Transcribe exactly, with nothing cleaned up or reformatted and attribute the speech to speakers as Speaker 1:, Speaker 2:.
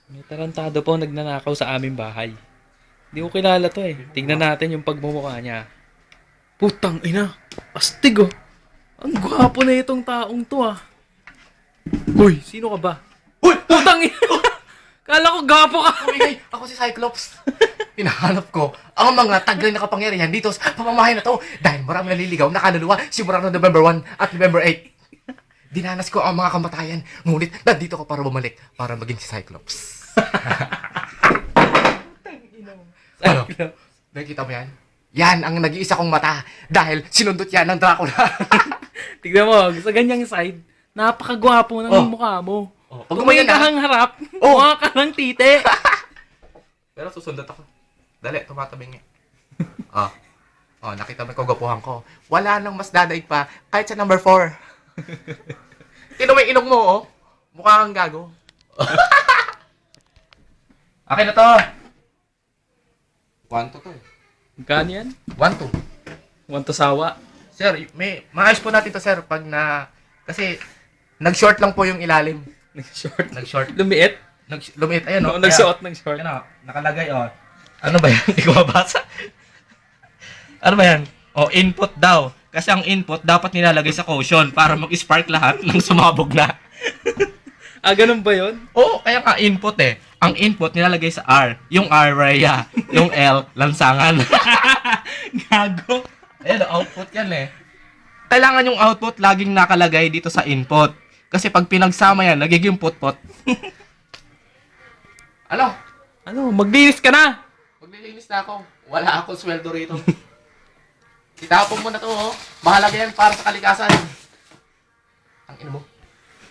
Speaker 1: May tarantado po nagnanakaw sa aming bahay. Hindi ko kilala to eh. Tignan natin yung pagmumukha niya. Putang ina! Astig oh! Ang gwapo na itong taong to ah. Uy, sino ka ba?
Speaker 2: Uy!
Speaker 1: Putang ina! Kala ko gwapo ka!
Speaker 2: Umingay! Ako si Cyclops. Hinahanap ko ang mga taglay na kapangyarihan dito sa pamamahay na to dahil marami naliligaw na kaluluwa simula noong November one at November eight. Dinanas ko ang mga kamatayan, ngunit nandito ko para bumalik para maging si Cyclops. Ano? Nakikita mo yan? Yan ang nag-iisa kong mata dahil sinundot yan ng Dracula.
Speaker 1: Tignan mo, sa ganyang side, napakagwapo ng
Speaker 2: Oh.
Speaker 1: mukha mo.
Speaker 2: Oh, pag
Speaker 1: Pag
Speaker 2: gumayan
Speaker 1: may
Speaker 2: na-
Speaker 1: kahang harap,
Speaker 2: Oh.
Speaker 1: mukha ka ng tite.
Speaker 2: Pero susundot ako. Dali, tumatabing nga. Oh. Oh, nakita mo yung kagapuhan ko. Wala nang mas dadaig pa kahit sa number four. Tino mo yung ilong mo, oh. Mukha kang gago. Akin na to. One to to eh.
Speaker 1: Magkano yan?
Speaker 2: One to.
Speaker 1: Want to sawa?
Speaker 2: Sir, may maayos po natin to, sir, pag na kasi nag-short lang po yung ilalim.
Speaker 1: Nag-short.
Speaker 2: Nag-short.
Speaker 1: Lumiit?
Speaker 2: Nag lumit ayan,
Speaker 1: Oo,
Speaker 2: oh.
Speaker 1: nagsuot ng short.
Speaker 2: Ayan, oh. Nakalagay, oh. Ano ba yan? Hindi ko mabasa. Ano ba yan? Oh, input daw. Kasi ang input dapat nilalagay sa caution para mag-spark lahat ng sumabog na.
Speaker 1: Ah, ganun ba yun?
Speaker 2: Oo, kaya nga input eh. Ang input nilalagay sa R. Yung R, Rhea. Yung L, lansangan.
Speaker 1: Gago.
Speaker 2: Ayan, output yan eh. Kailangan yung output laging nakalagay dito sa input. Kasi pag pinagsama yan, nagiging put-put. Ano?
Speaker 1: Ano, maglinis ka na!
Speaker 2: Maglilinis na ako. Wala akong sweldo rito. Itapon mo na to, oh. Mahalaga yan para sa kalikasan. Ang ino mo.